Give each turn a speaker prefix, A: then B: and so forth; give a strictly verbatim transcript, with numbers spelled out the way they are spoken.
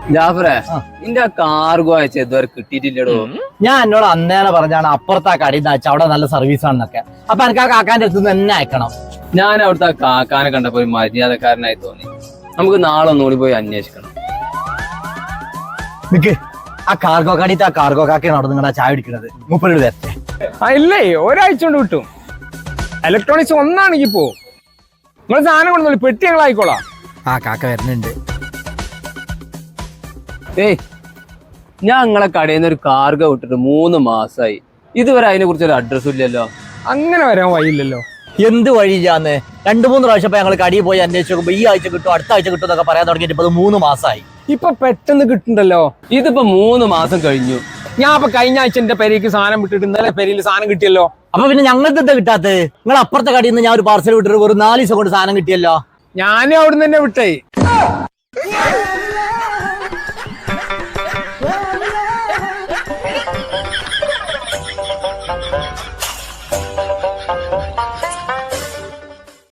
A: ജാഫറെ നിന്റെ കാർഗോ അയച്ച ഇതുവരെ കിട്ടിയിട്ടില്ലടോ.
B: ഞാൻ എന്നോട് അന്നേനെ പറഞ്ഞാണ് അപ്പുറത്തെ കടയിൽ നിന്ന് അയച്ച അവിടെ നല്ല സർവീസ് ആണെന്നൊക്കെ. അപ്പൊ എനിക്ക് ആ കാക്കാന്റെ അടുത്ത് തന്നെ അയക്കണം.
A: ഞാൻ അവിടുത്തെ കാക്കാനെ കണ്ടപ്പോ ഒരു മര്യാദക്കാരനായി തോന്നി. നമുക്ക് നാളെ ഒന്നുകൂടി പോയി അന്വേഷിക്കണം.
B: നിക്ക് ആ കാർഗോ കടയിത്തെ ആ കാർഗോ കാക്കയാണ് അവിടെ നിങ്ങളുടെ ചായ പിടിക്കുന്നത്. മുപ്പത് വരട്ടെ.
C: ആ ഇല്ലേ, ഒരാഴ്ച കൊണ്ട് കിട്ടും. ഇലക്ട്രോണിക്സ് ഒന്നാണെങ്കിൽ പോ. നിങ്ങൾ സാധനം കൊണ്ടു പെട്ടി ഞങ്ങൾ ആയിക്കോളാം.
B: ആ കാക്ക വരുന്നുണ്ട്.
A: ഏയ്, ഞാൻ നിങ്ങളെ കടയിൽ നിന്ന് ഒരു കാർഗോ വിട്ടിട്ട് മൂന്ന് മാസമായി. ഇതുവരെ അതിനെ കുറിച്ച് ഒരു അഡ്രസ്സും ഇല്ലല്ലോ.
C: അങ്ങനെ വരാൻ വഴിയില്ലല്ലോ.
B: എന്ത് വഴിയില്ലാന്ന് രണ്ടു മൂന്ന് പ്രാവശ്യം ഞങ്ങൾ കടിയിൽ പോയി അന്വേഷിച്ച് നോക്കുമ്പോ ഈ ആഴ്ച കിട്ടും അടുത്ത ആഴ്ച കിട്ടും എന്നൊക്കെ പറയാൻ തുടങ്ങിയിട്ട് ഇപ്പൊ മൂന്ന് മാസമായി.
C: ഇപ്പൊ പെട്ടെന്ന് കിട്ടുന്നുണ്ടല്ലോ.
A: ഇതിപ്പോ മൂന്ന് മാസം കഴിഞ്ഞു.
C: ഞാൻ അപ്പൊ കഴിഞ്ഞ ആഴ്ച എന്റെ പെരയ്ക്ക് സാധനം വിട്ടിട്ട് ഇന്നലെ പെരയിൽ സാധനം കിട്ടിയല്ലോ.
B: അപ്പൊ പിന്നെ ഞങ്ങൾക്ക് എന്താ കിട്ടാത്തത്? നിങ്ങൾ അപ്പുറത്തെ കടയിൽ നിന്ന് ഞാൻ ഒരു പാർസൽ വിട്ടിട്ട് ഒരു നാല് ദിവസം കൊണ്ട് സാധനം കിട്ടിയല്ലോ.
C: ഞാനും അവിടുന്ന് തന്നെ വിട്ടേ.